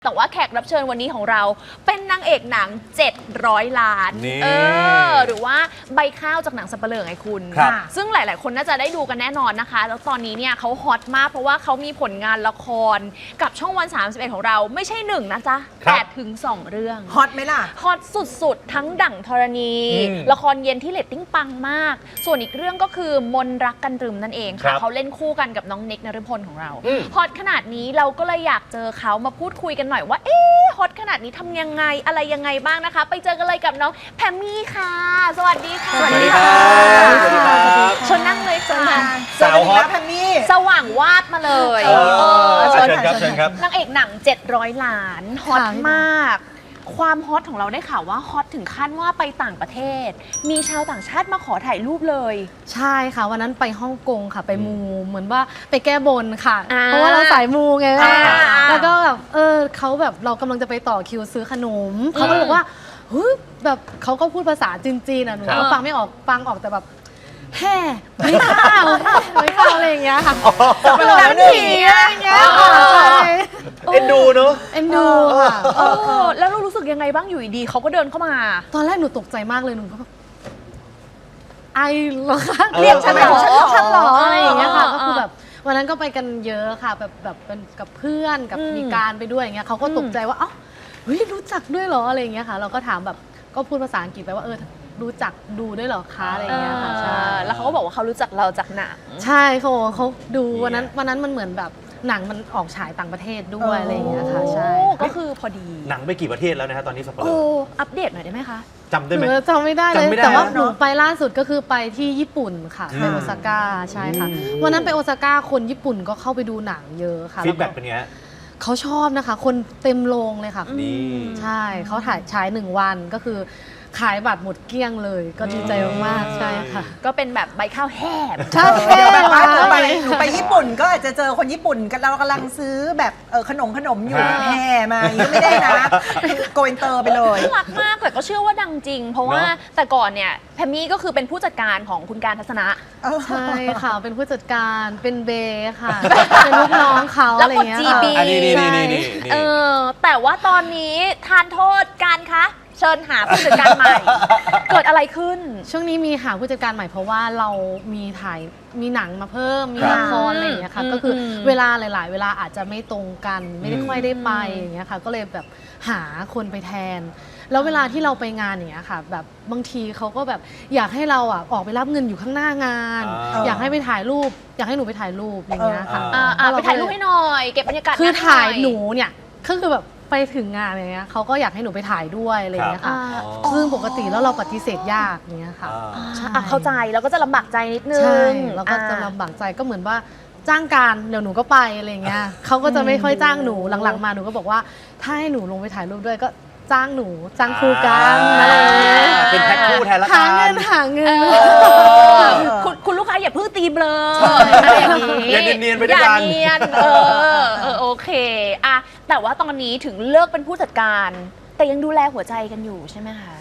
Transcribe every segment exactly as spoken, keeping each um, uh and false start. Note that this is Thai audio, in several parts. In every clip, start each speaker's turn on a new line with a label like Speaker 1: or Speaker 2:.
Speaker 1: แต่ว่าแขกรับเชิญวันนี้ของเราเป็นนางเอกหนังเจ็ดร้อยล้านเออหรือว่าใบข้าวจากหนังสัปเหร่อไงคุณซึ่งหลายๆคนน่าจะได้ดูกันแน่นอนนะคะแล้วตอนนี้เนี่ยเขาฮอตมากเพราะว่าเขามีผลงานละครกับช่องวันสามสิบเอ็ดของเราไม่ใช่หนึ่งนะจ๊ะแต่ถึงสองเรื่อง
Speaker 2: ฮอตไหมล่ะ
Speaker 1: ฮอตสุดๆทั้งดั่งธรณีละครเย็นที่เรตติ้งปังมากส่วนอีกเรื่องก็คือมนรักกันตรึมนั่นเองค่ะเขาเล่นคู่กันกับน้องเน็กนฤพลของเราฮอตขนาดนี้เราก็เลยอยากเจอเขามาพูดคุยกันหน่อยว่าเอ๊ะฮอตขนาดนี้ทำยังไงอะไรยังไงบ้างนะคะไปเจอกันเลยกับน้องแพมมี่ค่ะสวัสดีค่ะ
Speaker 3: สวัสดีค่ะสวัสดีครับ
Speaker 1: ชนนั่งเลยค่ะ
Speaker 2: สาวฮอตแพมมี่
Speaker 1: สว่างวาดมาเลย
Speaker 3: เชิญครับเชิญครับ
Speaker 1: นางเอกหนังเจ็ดร้อยล้านฮอตมากความฮอตของเราได้ข่าวว่าฮอตถึงขั้นว่าไปต่างประเทศมีชาวต่างชาติมาขอถ่ายรูปเลย
Speaker 4: ใช่ค่ะวันนั้นไปฮ่องกงค่ะไปมูเหมือนว่าไปแก้บนค่ะเพราะว่าเราสายมูไงแล้วก็แบบเออเขาแบบเรากำลังจะไปต่อคิวซื้อขนมเขาก็บอกว่าเฮ้ยแบบเขาก็พูดภาษาจีนๆอ่ะหนูก็ฟังไม่ออกฟังออกแต่แบบแห่ไม่ข้าวไม่ข้าวอะไรอย่างเงี้ยค่ะ
Speaker 2: เป็นหนังผี
Speaker 4: อะไรอย่างเงี้ย
Speaker 3: เอ็นดูเนอะ
Speaker 4: เอ็นดูค่ะ
Speaker 1: แล้วเรารู้สึกยังไงบ้างอยู่ดีเขาก็เดินเข้ามา
Speaker 4: ตอนแรกหนูตกใจมากเลยหนูก็แบบไอเหรอคะ
Speaker 1: เรียกฉันเหรอ
Speaker 4: ฉันเหรออะไรอย่างเงี้ยค่ะก็คือแบบวันนั้นก็ไปกันเยอะค่ะแบบแบบเป็นกับเพื่อนกับมีการไปด้วยอย่างเงี้ยเขาก็ตกใจว่าเอ้าเฮ้ยรู้จักด้วยเหรออะไรอย่างเงี้ยค่ะเราก็ถามแบบก็พูดภาษาอังกฤษไปว่าเออรู้จักดูด้วยเหรอคะอะไรอย่างเงี้ยค่ะใช่
Speaker 1: แล้วเขาก็บอกว่าเขารู้จักเราจากหนัง
Speaker 4: ใช่เขาเขาดูวันนั้นวันนั้นมันเหมือนแบบหนังมันออกฉายต่างประเทศด้วยอะไรอย่างเงี้ยค่ะใช่
Speaker 1: ก็คือพอดี
Speaker 3: หนังไปกี่ประเทศแล้วนะฮะตอนนี้สัปเหร่อ
Speaker 1: โอ้อัปเดตหน่อยได้ไหมคะ
Speaker 3: จำได้ไหม
Speaker 4: จำไม่ได้เลยแต่ว่าหนูไปล่าสุดก็คือไปที่ญี่ปุ่นค่ะไปโอซาก้าใช่ค่ะวันนั้นไปโอซาก้าคนญี่ปุ่นก็เข้าไปดูหนังเยอะค่ะ
Speaker 3: ฟีดแบ็กเป็นไง
Speaker 4: เขาชอบนะคะคนเต็มโรงเลยค่ะใช่เขาถ่ายฉายหนึ่งวันก็คือขายบัตรหมดเกลี้ยงเลยก็ดีใจมากๆใช่ค่ะ
Speaker 1: ก็เป็นแบบใบข้าวแห้ง
Speaker 4: ใช่
Speaker 2: แบบว่าหนูไปหนูไปญี่ปุ่นก็อาจจะเจอคนญี่ปุ่นกันเรากำลังซื้อแบบเออขนมขนมอยู่แห่มาอย่างนี้ไม่ได้นะโกอินเตอร์ไปเลย
Speaker 1: น่ารักมากแต่ก็เชื่อว่าดังจริงเพราะว่าแต่ก่อนเนี่ยแพมมี่ก็คือเป็นผู้จัดการของคุณการทัศนะ
Speaker 4: ใช่ค่ะเป็นผู้จัดการเป็นเบค่ะเป็นลูกน้องเขาอะไรเงี้ย
Speaker 1: ค่ะ
Speaker 3: นี่นี่นี่นี่
Speaker 1: เออแต่ว่าตอนนี้ทานโทษการคะเชิญหาผู้จัดการใหม่เกิดอะไรขึ้น
Speaker 4: ช่วงนี้มีหาผู้จัดการใหม่เพราะว่าเรามีถ่ายมีหนังมาเพิ่มมีละครอะไรอย่างเงี้ยค่ะก็คือเวลาหลายๆเวลาอาจจะไม่ตรงกันไม่ได้ค่อยได้ไปอย่างเงี้ยค่ะก็เลยแบบหาคนไปแทนแล้วเวลาที่เราไปงานอย่างเงี้ยค่ะแบบบางทีเขาก็แบบอยากให้เราอ่ะออกไปรับเงินอยู่ข้างหน้างานอยากให้ไปถ่ายรูปอยากให้หนูไปถ่ายรูปอย่างเงี้ยค่ะ
Speaker 1: ไปถ่ายรูปให้หน่อยเก็บบรรยากาศ
Speaker 4: คือถ่ายหนูเนี่ยก็คือแบบไปถึงงานอะไรเงี้ยเขาก็อยากให้หนูไปถ่ายด้วยอะไรเงี้ยค่ะซึ่งปกติแล้วเราปฏิเสธยากเงี้ยค่ะ
Speaker 1: เข้าใจแล้วก็จะลำบากใจนิดนึง
Speaker 4: ใช่แล้วก็จะลำบากใจก็เหมือนว่าจ้างการเดี๋ยวหนูก็ไปอะไรเงี้ยเขาก็จะไม่ค่อยจ้างหนูหลังๆมาหนูก็บอกว่าถ้าให้หนูลงไปถ่ายรูปด้วยก็จ้างหนูจ้างคู่กันอะไร
Speaker 3: เป็นแพ็คคู่แทนละกัน
Speaker 4: หาเงินหาเงิน
Speaker 1: คุณลูกค้าอย่าเพิ่งตีเบลออะไรอย่างนี้
Speaker 3: อย่าเนียนๆไปด้วยกัน
Speaker 1: อย่าเนียนเออเออโอเคอะแต่ว่าตอนนี้ถึงเลิกเป็นผู้จัดการแต่ยังดูแลหัวใจกันอยู่ใช่ไหมคะ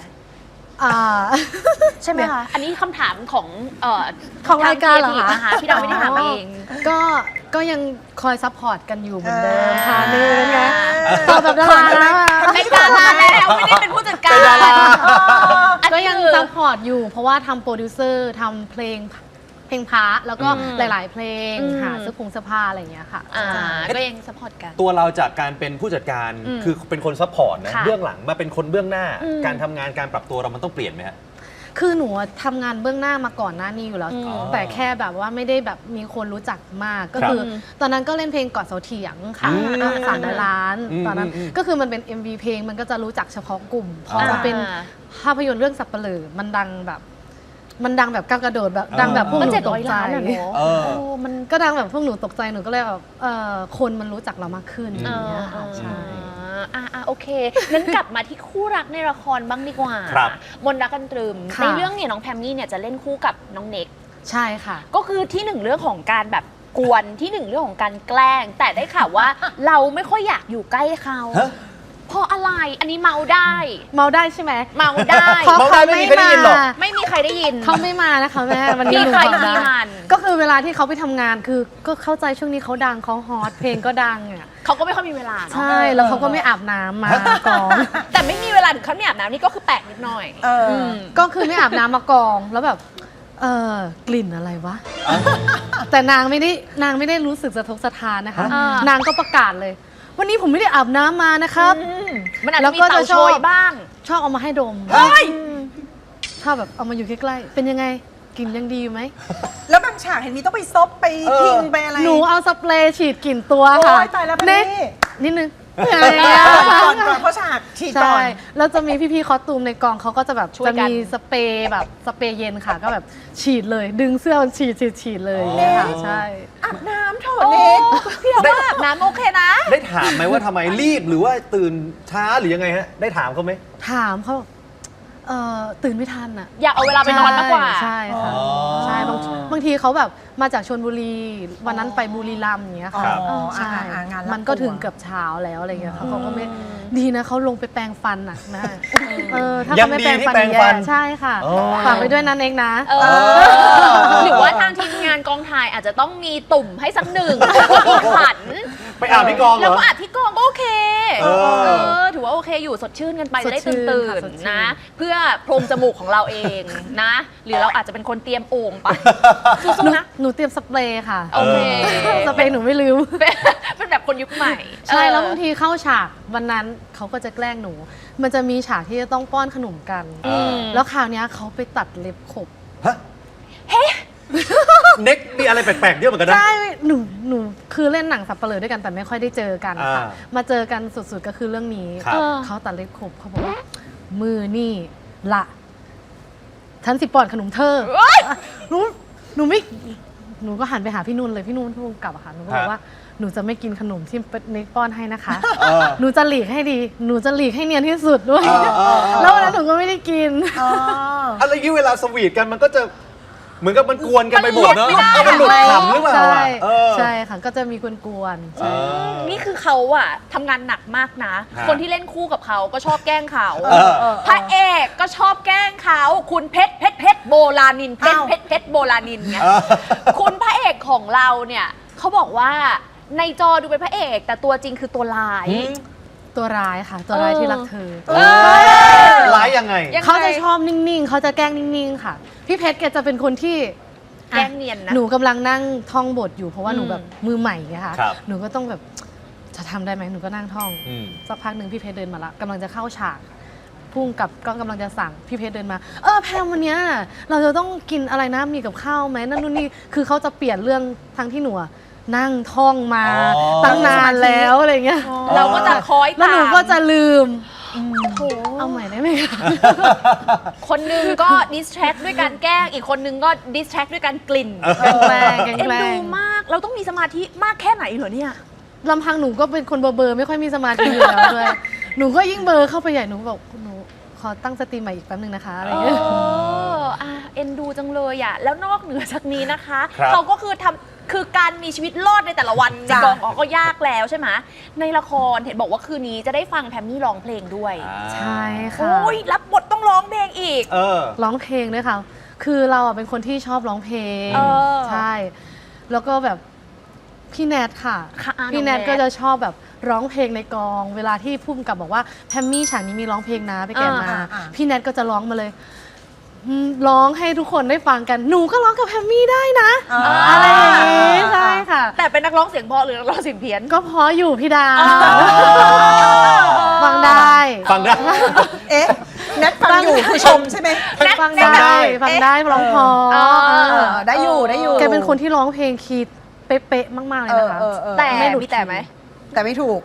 Speaker 1: ใช่ไหมคะอันนี้คำถามของเอ่อ
Speaker 4: ของรายการเหรอ
Speaker 1: คะพี่ดาวไม่ได้ถามเอง
Speaker 4: ก็ก็ยังคอยซัพพอร์ตกันอยู่เหมือนเดิมค่ะนี่นะตอบแบบดาราแล้ว
Speaker 1: ไม่ดาราแล้วไม่ได้เป็นผู้จัดการ
Speaker 4: ก็ยังซัพพอร์ตอยู่เพราะว่าทำโปรดิวเซอร์ทำเพลงเพลงพระแล้วก็หลายๆเพลงหาเสื้อผงเสื้อผ้าอะไรอย่างเงี้ยค่ะ
Speaker 1: ก็ยังซัพพอร์ตกัน
Speaker 3: ตัวเราจากการเป็นผู้จัดการคือเป็นคนซัพพอร์ตนะเบื้องหลังมาเป็นคนเบื้องหน้าการทำงานการปรับตัวเรามันต้องเปลี่ยนไหมฮะ
Speaker 4: คือหนูทำงานเบื้องหน้ามาก่อนหน้านี้อยู่แล้วแต่แค่แบบว่าไม่ได้แบบมีคนรู้จักมากก็คือตอนนั้นก็เล่นเพลงกอดเสาเถียงค่ะสามร้อยล้านตอนนั้นก็คือมันเป็น เอ็ม วี เพลงมันก็จะรู้จักเฉพาะกลุ่มพอมาเป็นภาพยนตร์เรื่องสัปเหร่อมันดังแบบมันดังแบบก้าวกระโดดแบบดังแบบพวกหนูตกใจมันก็ดังแบบพวกหนูตกใจหนูก็เลยแบบคนมันรู้จักเรามากขึ้นอย่างเงี้ยค่ะใช่
Speaker 1: อ่าโอเคงั้นกลับมาที่คู่รักในละครบ้างดีกว่ามนรักกันตรึมในเรื่องเนี่ยน้องแพมมี่เนี่ยจะเล่นคู่กับน้องเน็ก
Speaker 4: ใช่ค่ะ
Speaker 1: ก็คือที่หนึ่งเรื่องของการแบบกวนที่หนึ่งเรื่องของการแกล้งแต่ได้ข่าวว่าเราไม่ค่อยอยากอยู่ใกล้เขาเพราะอะไรอันนี้เมาได้
Speaker 4: เมาได้ใช่ไหม
Speaker 1: เมาได้
Speaker 4: เพราะ
Speaker 3: เมาได้
Speaker 4: เขา
Speaker 3: ไม่
Speaker 4: ไม่
Speaker 3: มีใครได้ยินหรอก
Speaker 4: มา
Speaker 1: ไม่มีใครได้ยิน
Speaker 4: เขาไม่มานะคะแม่วันนี้
Speaker 1: มี
Speaker 4: หนู
Speaker 1: ใคร
Speaker 4: บอก
Speaker 1: มี
Speaker 4: ได้
Speaker 1: มัน
Speaker 4: ก็คือเวลาที่เขาไปทำงานคือก็เข้าใจช่วงนี้เขาดังเขาฮอตเพลงก็ดังอ่ะ
Speaker 1: เขาก็ไม่ค่อยมีเวลาเนาะ
Speaker 4: ใช่แล้วเขาก็ไม่อาบน้ำมากอง
Speaker 1: แต่ไม่มีเวลาถึงขั้นไม่อาบน้ำนี่ก็คือแปลกนิดหน่อย
Speaker 2: เอออ
Speaker 1: ม
Speaker 4: ก็คือไม่อาบน้ำมากองแล้วแบบเออกลิ่นอะไรวะ แต่นางไม่ได้นางไม่ได้รู้สึกสะทกสะท้านนะคะ
Speaker 1: อ่าน
Speaker 4: นางก็ประกาศเลย วันนี้ผมไม่ได้อาบน้ำมานะครับ
Speaker 1: มันอาจ
Speaker 4: แล้
Speaker 1: จะ
Speaker 4: ว
Speaker 1: มี
Speaker 4: ก็
Speaker 1: เต่า
Speaker 4: จะ
Speaker 1: โช
Speaker 4: ชอบ
Speaker 1: ยบ้าง
Speaker 4: ชอบเอามาให้ดม
Speaker 1: เฮ้ย
Speaker 4: ชอบแบบเอามาอยู่ใกล้ๆเป็นยังไงกลิ่นยังดีอยู่ไหม
Speaker 2: แล้วบางฉากเห็นมีต้องไปซบไป
Speaker 3: เออ
Speaker 2: ทิ้งไปอะไร
Speaker 4: หนูเอาสเปรย์ฉีดกลิ่นตัว
Speaker 2: โอ้
Speaker 4: ค่ะ
Speaker 2: ยตายแล้ว
Speaker 4: เน็ก
Speaker 2: นี่
Speaker 4: นิดนึง
Speaker 2: ก่อนก่อนเพราะฉากฉีดก่
Speaker 4: ใช่
Speaker 2: อน
Speaker 4: แล้วจะมีพี่ๆคอสตูมในกองเขาก็จะแบบ
Speaker 1: ช่วย
Speaker 4: จะ
Speaker 1: กัน
Speaker 4: มีสเปรย์แบบสเปรย์เย็นค่ะ ก็แบบฉีดเลย ดึงเสื้อมันฉีดฉีดฉีดเลยอย่างเงี้ยค่ะใช่
Speaker 2: อาบน้ำเถอะ
Speaker 1: โอ้
Speaker 2: เน็ก
Speaker 1: พี่เราว่าอาบน้ำโอเคนะ
Speaker 3: ได้ถามไหมว่าทำไมรีบหรือว่าตื่นช้าหรือยังไงฮะได้ถามเขาไหม
Speaker 4: ถามเขาเอ่อตื่นไม่ทันอ่ะ
Speaker 1: อยากเอาเวลาไปนอนมากกว่า
Speaker 4: ใช่ค่ะ
Speaker 3: อ๋อ
Speaker 4: ใช่บางบางทีเขาแบบมาจากชลบุรีวันนั้นไปบุรีรัมย์อย่างเงี้ยค่ะ
Speaker 2: อ๋อ
Speaker 4: ใช่
Speaker 2: อ่าอ่างานรับ
Speaker 4: มันก็ถึง
Speaker 2: ตัว
Speaker 4: เกือบเช้าแล้วอะไรเงี้ยค่ะ
Speaker 1: อืม
Speaker 4: เขาก็ไม่ดีนะเขาลงไปแปรงฟันอ่ะแม่เออถ้า
Speaker 3: ยั
Speaker 4: เขา
Speaker 3: ง
Speaker 4: ไม่
Speaker 3: ดี
Speaker 4: แปรง
Speaker 3: ที่
Speaker 4: ฟัน
Speaker 3: แปรงฟัน
Speaker 4: แย่ใช่ค่ะ
Speaker 3: อ๋อ
Speaker 4: ฝากไปด้วยนะเองนะ
Speaker 1: เออหรือว่าทางทีมงานกองถ่ายอาจจะต้องมีตุ่มให้สักหนึ่งขัน
Speaker 3: ไปอาบที่กองเหร
Speaker 1: แล้ว
Speaker 3: อ
Speaker 1: ก็อาบที่กองก็โอเค
Speaker 3: เออ
Speaker 1: เออ ถือว่าโอเคอยู่สดชื่นกันไป
Speaker 4: ส
Speaker 1: จะ
Speaker 4: ด
Speaker 1: ได้
Speaker 4: ชื่
Speaker 1: ตื่
Speaker 4: น
Speaker 1: น
Speaker 4: ค่ะ
Speaker 1: ตื่น
Speaker 4: สดชื่น
Speaker 1: นะ เพื่อโพรงจมูกของเราเองนะ หรือเราอาจจะเป็นคนเตรียมโอ่งไป
Speaker 4: หนู
Speaker 1: สู้ๆนะ
Speaker 4: หนูเตรียมสเปรย์ค่ะ
Speaker 1: โอเค
Speaker 4: สเปรย์หนูไม่ลืม
Speaker 1: เป็นเป็นแบบคนยุคใหม่
Speaker 4: ใช่แล้ว
Speaker 1: เออบ
Speaker 4: างทีเข้าฉากวันนั้นเขาก็จะแกล้งหนู มันจะมีฉากที่จะต้องป้อนขนมกัน
Speaker 1: อืม
Speaker 4: แล้วคราวเนี้ยเขาไปตัดเล็บขบ
Speaker 3: ฮะเน็กมีอะไรแปลกๆเยอะเหมือนกันนะ
Speaker 4: ใช่ หนู หนู คือเล่นหนังสับเปลือด้วยกันแต่ไม่ค่อยได้เจอกันค่ะ
Speaker 3: อ่า
Speaker 4: มาเจอกันสุดๆก็คือเรื่องนี้
Speaker 3: ครับ
Speaker 1: เออ
Speaker 4: เขาตัดเล็บขบเขาบอกว่า มือนี่ละฉันสิปอนขนมเธอ
Speaker 1: เอ้ย
Speaker 4: หนู หนูไม่ หนูก็หันไปหาพี่นุ่นเลย พี่นุ่นผู้กำกับอะค่ะ หนูก็บอกว่า หนูจะไม่กินขนมที่เน็กป้อนให้นะคะ
Speaker 3: เออ
Speaker 4: หนูจะหลีกให้ดี หนูจะหลีกให้เนียนที่สุดด้วย
Speaker 3: เออเออเออ
Speaker 4: แล้ววันนั้นหนูก็ไม่ได้กิน
Speaker 2: อ๋อ
Speaker 3: อะไรยี่เวลาสวีทกันมันก็จะเหมือนกับมันกวนกันไปหมดเนาะ
Speaker 1: มันหลุดไม่ได้
Speaker 3: เออมันหลุดขำหรือเปล่า
Speaker 4: ใช่
Speaker 3: อะเออ
Speaker 4: ใช่ค่ะ ก็จะมีกวนๆ
Speaker 3: เออ
Speaker 1: นี่คือเขาอะทำงานหนักมากนะ
Speaker 3: ฮะ
Speaker 1: คนที่เล่นคู่กับเขาก็ชอบแกล้งเขา
Speaker 3: เออเออ
Speaker 1: พระเอกก็ชอบแกล้งเขาคุณเพชรเพชรเพชรโบราณินเพชร
Speaker 2: อ้าว
Speaker 1: เพชรเพชรโบราณินไง
Speaker 3: เออ
Speaker 1: คุณพระเอกของเราเนี่ยเขาบอกว่าในจอดูเป็นพระเอกแต่ตัวจริงคือตัวร้าย
Speaker 3: หืม
Speaker 4: ตัวร้ายค่ะ ตัวร้ายที่รักเธอ
Speaker 1: เออ
Speaker 3: ร้ายยังไง
Speaker 1: ยังไง
Speaker 4: เขาจะชอบนิ่ง ๆ เขาจะแกล้งนิ่ง ๆ ค่ะ พี่เพชรแกจะเป็นคนที่
Speaker 1: แกล้งเนียนนะ
Speaker 4: หนูกำลังนั่งท่องบทอยู่เพราะว่า
Speaker 1: อืม
Speaker 4: หนูแบบมือใหม่ไงคะ
Speaker 3: ครับ
Speaker 4: หนูก็ต้องแบบจะทำได้ไหมหนูก็นั่งท่อง
Speaker 3: อืม
Speaker 4: สักพักหนึ่งพี่เพชรเดินมาละกำลังจะเข้าฉากพุ่งกับก็กำลังจะสั่งพี่เพชรเดินมา เออแพมวันเนี้ยเราจะต้องกินอะไรนะมีกับข้าวไหมนั่นนู่นนี่คือเขาจะเปลี่ยนเรื่องทั้งที่หนูอะนั่งท่องมา
Speaker 3: อ๋อ
Speaker 4: ตั้งนานแล้วอะไรเงี้ย
Speaker 1: เราก็จะคอย
Speaker 4: แล้ว
Speaker 1: ตาม
Speaker 4: หนูก็จะลืม
Speaker 1: โอ้โห
Speaker 4: เอาใหม่ได้ไหมคะ
Speaker 1: คนหนึงก็ดิสแทรกด้วยการแกล้งอีกคนหนึงก็ดิสแทรกด้วยการกลิ่น
Speaker 4: แกล้งแกล้ง
Speaker 1: เอ็น
Speaker 4: แกล้
Speaker 1: ดู
Speaker 4: ง
Speaker 1: มากเราต้องมีสมาธิมากแค่ไหนเหรอเนี่ย
Speaker 4: ลำพังหนูก็เป็นคนเบอร์เบอร์ไม่ค่อยมีสมาธิอยู่แล้วด้วย หนูก็ยิ่งเบอร์เข้าไปใหญ่หนูบอกหนูขอตั้งสติใหม่อีกแป๊บนึงนะคะอะไร
Speaker 1: เอ
Speaker 4: เงี้ย
Speaker 1: ออ่ะเอ็นดูจังเลยอ่ะ แล้วนอกเหนือจากนี้นะคะ
Speaker 3: ครับ
Speaker 1: เขาก็คือทำคือการมีชีวิตรอดในแต่ละวันใน
Speaker 2: จ้ะ
Speaker 1: กองออกก็ยากแล้วใช่ไหมในละครเห็นบอกว่าคืนนี้จะได้ฟังแพมมี่ร้องเพลงด้วย
Speaker 4: ใช่ค่ะ
Speaker 1: โอ้ยรับบทต้องร้องเพลงอีก
Speaker 3: เออ
Speaker 4: ร้องเพลงด้วยค่ะ คือเราอะเป็นคนที่ชอบร้องเพลง
Speaker 1: เออ
Speaker 4: ใช่ แล้วก็แบบพี่แนทค่ะ
Speaker 1: ค่ะอ่ะ
Speaker 4: พี่แนท
Speaker 1: น้องแนท
Speaker 4: ก็จะชอบแบบร้องเพลงในกอง เวลาที่พุ่มกับบอกว่าแพมมี่ฉากนี้มีร้องเพลงนะไปแกะมา
Speaker 2: อ่าอ่า
Speaker 4: พี่แนทก็จะร้องมาเลยอืมร้องให้ทุกคนได้ฟังกัน หนูก็ร้องกับแพมมี่ได้นะ
Speaker 2: อ่า
Speaker 4: อะไรอย่างนี้ใช่ค่ะ
Speaker 1: แต่เป็นนักร้องเสียงเพราะหรือนักร้องเสียงเพี้ยน
Speaker 4: ก็เพราะอยู่พี่ดา
Speaker 1: อ๋อ
Speaker 4: ฟังได้
Speaker 3: ฟังได้
Speaker 2: เอ๊ะแนทฟังอยู่คือชมใช่ไหม
Speaker 1: แนท
Speaker 4: ฟัง
Speaker 1: แนท
Speaker 4: ได้
Speaker 1: แบบ
Speaker 4: ฟังได้ร้องเพอ
Speaker 1: เออ
Speaker 2: เออได้อยู่ได้อยู่
Speaker 4: แกเป็นคนที่ร้องเพลงคีย์เป๊ะๆมากๆเลย
Speaker 2: เออ
Speaker 4: นะคะ
Speaker 2: เออเออ
Speaker 1: แต่
Speaker 4: ไม่หลุด
Speaker 1: มีแต่ไหม
Speaker 2: แต่ไม่ถูก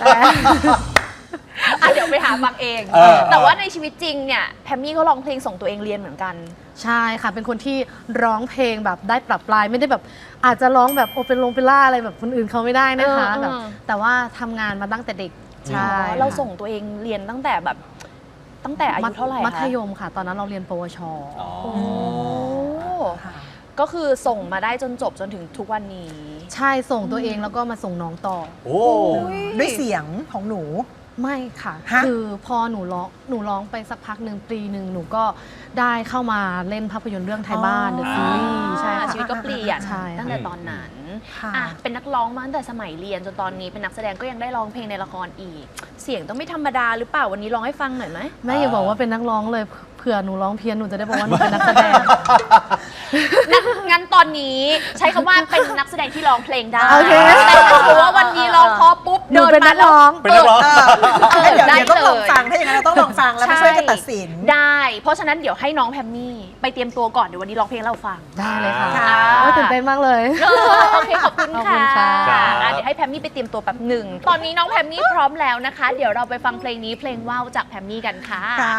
Speaker 1: อ่ะเดี๋ยวไปหาฟังเอง
Speaker 3: เออ
Speaker 1: แต่ว่าในชีวิตจริงเนี่ยแพมมี่ก็ร้องเพลงส่งตัวเองเรียนเหมือนกัน
Speaker 4: ใช่ค่ะ เป็นคนที่ร้องเพลงแบบได้ปรับปลายไม่ได้แบบ อาจจะร้องแบบโอเปร่าโอเปร่าอะไรแบบคนอื่นเขาไม่ได้นะคะ
Speaker 1: เออเออ
Speaker 4: แบบแต่ว่าทำงานมาตั้งแต่เด็กใช่
Speaker 1: อ๋อเราส่งตัวเองเรียนตั้งแต่แบบ ตั้งแต่อายุเท่าไหร่คะ
Speaker 4: มัธยมค่ะ ตอนนั้นเราเรียนปวช
Speaker 3: อ๋อ
Speaker 1: โอ้ก็คือส่งมาได้จนจบจนถึงทุกวันนี้
Speaker 4: ใช่ส่งตัวเองแล้วก็มาส่งน้องต่อ
Speaker 3: โอ้
Speaker 2: ด้วยเสียงของหนู
Speaker 4: ไม่ค่ะ
Speaker 2: ฮะ
Speaker 4: คือพอหนูร้องหนูร้องไปสักพักหนึ่งปีหนึ่งหนูก็ได้เข้ามาเล่นภาพยนตร์เรื่องไทยบ้านเดอะซีรีส์ใช่ค่ะ
Speaker 1: ชีวิตก็เปลี่ยน
Speaker 4: ใช่ค่ะ
Speaker 1: ตั้งแต่ตอนนั้น
Speaker 2: ค่ะ
Speaker 1: อ่ะเป็นนักร้องมาตั้งแต่สมัยเรียนจนตอนนี้เป็นนักแสดงก็ยังได้ร้องเพลงในละครอีก เสียงต้องไม่ธรรมดาหรือเปล่าวันนี้ร้องให้ฟังหน่อยไหม
Speaker 4: แม่อย่าบอกว่าเป็นนักร้องเลยเผื่อหนูร้องเพี้ยนหนูจะได้บอกว่าหนูเป็นนักแสดง
Speaker 1: งั้นงั้นตอนนี้ใช้คำว่าเป็นนักแสดงที่ร้องเพลงได้
Speaker 4: โอเค
Speaker 1: แต่ถ้าสมมติว่าวันนี้ร้องเพอปุ๊บ
Speaker 4: หนู
Speaker 1: เดิน
Speaker 4: เป็น
Speaker 1: มา
Speaker 4: นัก
Speaker 1: แล้ว
Speaker 4: ร้อง
Speaker 3: เป็นนักร้อง
Speaker 2: เออเดี๋ยว
Speaker 1: ได้
Speaker 2: เดี๋ยวต้องลอง
Speaker 1: เลย
Speaker 2: ฟังถ้าอย่างนั้นเราต้องลองฟังแล้วมาช่วยกันตัดสิน
Speaker 1: ได้ เพราะฉะนั้นเดี๋ยวให้น้องแพมมี่ไปเตรียมตัวก่อนเดี๋ยววันนี้ร้องเพลงให้เราฟัง
Speaker 4: ได้เลยค่ะ
Speaker 2: ค่ะ
Speaker 4: โอ้ยตื่นเต้นมากเลย
Speaker 1: เออโอเคขอบคุณ
Speaker 4: ขอบคุ
Speaker 1: ค่ะ
Speaker 4: ณค่ะ
Speaker 1: อ่ะเดี๋ยวให้แพมมี่ไปเตรียมตัวแป๊บหนึ่งตอนนี้น้องแพมมี่พร้อมแล้วนะคะ เดี๋ยวเราไปฟังเพลงนี้เพลงว่าวจากแพมมี่กันค่ะ
Speaker 2: ค่ะ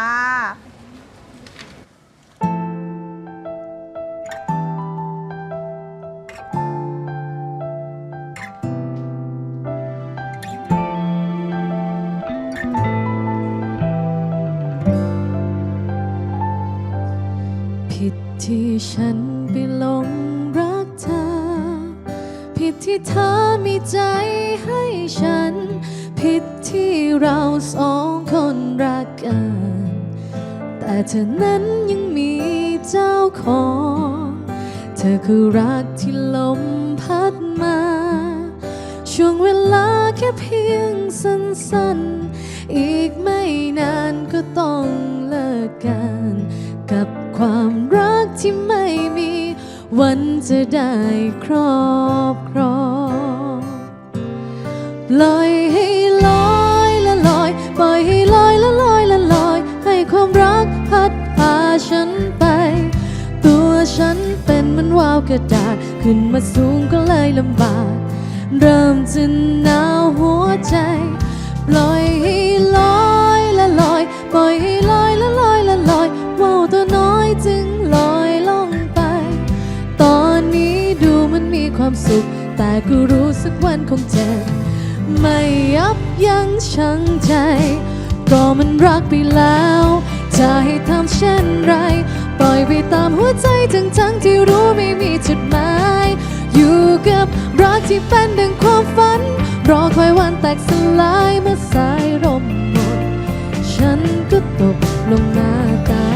Speaker 4: ผิดที่ฉันไปหลงรักเธอ ผิดที่เธอมีใจให้ฉัน ผิดที่เราสองคนรักกัน แต่เธอนั้นยังมีเจ้าของ เธอคือรักที่ลมพัดมา ช่วงเวลาแค่เพียงสั้นๆ อีกไม่นานก็ต้องเลิกกัน กับความรักที่ไม่มีวันจะได้ครอบครองปล่อยให้ลอยละลอยปล่อยให้ลอยละลอยละลอยให้ความรักพัดพาฉันไป ตัวฉันเป็นเหมันว่าวกระดาษขึ้นมาสูงก็เลยลำบากเริ่มจะหนาวหัวใจปล่อยให้ลอยละลอยปล่อยให้ลอยละลอยละลอยว่าวตัวน้อยจึงลอยลงไปตอนนี้ดูมันมีความสุขแต่ก็รู้สักวันคงเจ็บไม่ยับยั้งชั่งใจก็มันรักไปแล้วจะให้ทำเช่นไรปล่อยไปตามหัวใจทั้งๆที่รู้ไม่มีจุดหมายอยู่กับรักที่เป็นดังความฝันรอคอยวันแตกสลายเมื่อสายลมหมดฉันก็ตกลงหน้าตา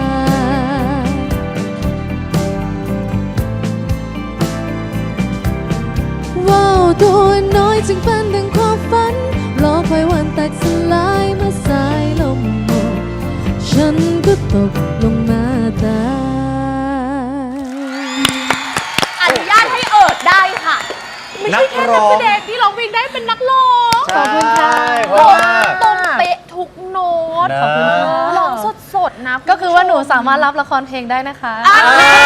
Speaker 4: ว่าวตัวน้อยจึงเป็นดังความฝันรอคอยวันแตกสลายเมื่อสายลมหมดฉันก็ตกลงหน้าตา
Speaker 1: อนุญาตให้เอิดได้ค่ะ ไม่
Speaker 3: นั
Speaker 1: ใช่
Speaker 3: ก
Speaker 1: แค่
Speaker 3: ร้
Speaker 1: นัก
Speaker 3: อง
Speaker 1: แสดงที่ร้องเพลงได้เป็นนักร้อง
Speaker 4: ขอบคุณค่ะ
Speaker 3: เพราะว่า
Speaker 1: ตรงเป๊ะทุกโน้ต
Speaker 3: นะ
Speaker 1: ขอบคุณค่ะร้องสดๆนะ
Speaker 4: ก็คือว่าหนูสามารถรับละครเพลงได้นะคะ
Speaker 1: เอา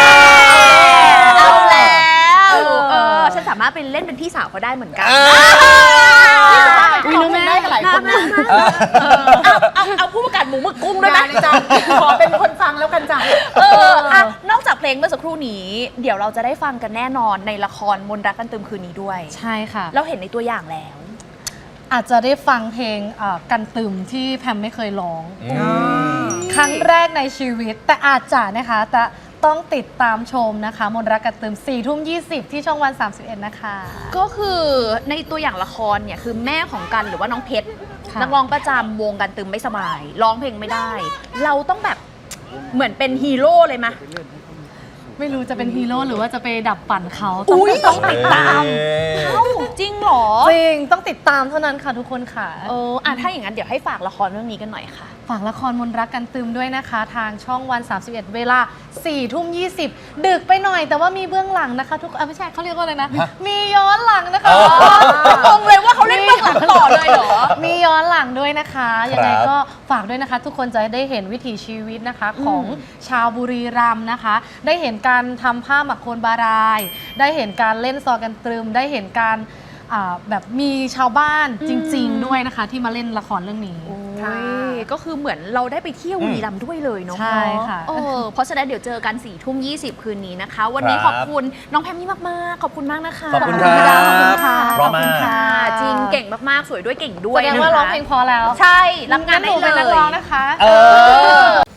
Speaker 1: แล้วเออฉันสามารถเป็นเล่นเป็นพี่สาวเขาได้เหมือนกันพี่สามารถเป็นร้องเพลงได้กับหลายคนนะเอาเอาเอาผู้ประกาศหมูหมึกกุ้งด้วยไหม
Speaker 2: ได้จ้ะขอเป็นคนฟังแล้วกันจ้ะ
Speaker 1: เอออ่ะนอกจากเพลงเมื่อสักครู่นี้ เดี๋ยวเราจะได้ฟังกันแน่นอนในละครมนต์รักกันตึมคืนนี้ด้วย
Speaker 4: ใช่ค่ะ
Speaker 1: เราเห็นในตัวอย่างแล้ว
Speaker 4: อาจจะได้ฟังเพลงเอ่อกันตึมที่แพมไม่เคยร้อง
Speaker 3: อืม
Speaker 4: ครั้งแรกในชีวิต แต่อาจจะนะคะแต่ต้องติดตามชมนะคะ มนต์รักกันตึมสี่ทุ่มยี่สิบที่ช่องวันสามสิบเอ็ดนะคะ
Speaker 1: ก็คือในตัวอย่างละครเนี่ยคือแม่ของกันหรือว่าน้องเพชร
Speaker 4: ค่ะ
Speaker 1: นักร้องประจำวงกันตึมไม่สบายร้องเพลงไม่ได้ เราต้องแบบเหมือนเป็นฮีโร่เลยมะ
Speaker 4: ไม่รู้จะเป็นฮีโร่หรือว่าจะไปดับปั่นเขา
Speaker 1: อุ๊ย
Speaker 4: ต้องติดตาม
Speaker 1: เอ้าจริงเหรอ
Speaker 4: จริงต้องติดตามเท่านั้นค่ะทุกคนค่ะ
Speaker 1: เอออ่ะถ้าอย่างนั้นเดี๋ยวให้ฝากละครเรื่องนี้กันหน่อยค่ะ
Speaker 4: ฝากละครมนต์รักกันตึมด้วยนะคะ ทางช่องวันสามสิบเอ็ดเวลาสี่ทุ่มยี่สิบดึกไปหน่อยแต่ว่ามีเบื้องหลังนะคะ ทุกอ่ะไม่ใช่เขาเรียกว่าอะไรนะ มีย้อนหลังนะคะ
Speaker 3: อ๋อ
Speaker 1: งงเลยว่าเขาเล่นเบื้องหลังต่อเลยเหรอ
Speaker 4: มีย้อนหลังด้วยนะคะยังไง
Speaker 3: ครับ
Speaker 4: ก็ฝากด้วยนะคะ ทุกคนจะได้เห็นวิถีชีวิตนะคะของชาวบุรีรัมย์นะคะ ได้เห็นการทำผ้าหมักโคนบาราย ได้เห็นการเล่นซอกันตรึม ได้เห็นการอ่าแบบมีชาวบ้านจริง ๆ ด้วยนะคะ ที่มาเล่นละครเรื่องนี้
Speaker 1: โอ้
Speaker 2: ค่ะ
Speaker 1: ยก็คือเหมือนเราได้ไปเที่ยวบุรีรัมย์ด้วยเลยเนาะ
Speaker 4: ใช่ค่ะ
Speaker 1: เออเพราะฉะนั้นเดี๋ยวเจอกันสี่ทุ่มยี่สิบคืนนี้นะคะ วันนี้
Speaker 3: ค
Speaker 1: ข
Speaker 3: รับ
Speaker 1: อบคุณน้องแพมมี่มากๆ ขอบคุณมากนะคะ
Speaker 3: ขอบคุณ
Speaker 4: ขอบคุณ
Speaker 3: ครับ
Speaker 4: ขอบคุณค่ะ
Speaker 3: พร้อม
Speaker 1: ขอบคุณ
Speaker 3: มาก
Speaker 1: ค่ะ จริงเก่งมากๆ สวยด้วยเก่งด้ว
Speaker 4: แส
Speaker 1: ย
Speaker 4: ดง
Speaker 1: นะคะ
Speaker 4: ว่าร้องเพลงพอแล้ว
Speaker 1: ใช่รับงาน
Speaker 4: ห
Speaker 1: ได้
Speaker 4: นู
Speaker 1: เล
Speaker 4: เป็นนัก
Speaker 1: ย
Speaker 4: ร้องนะคะ
Speaker 3: เออ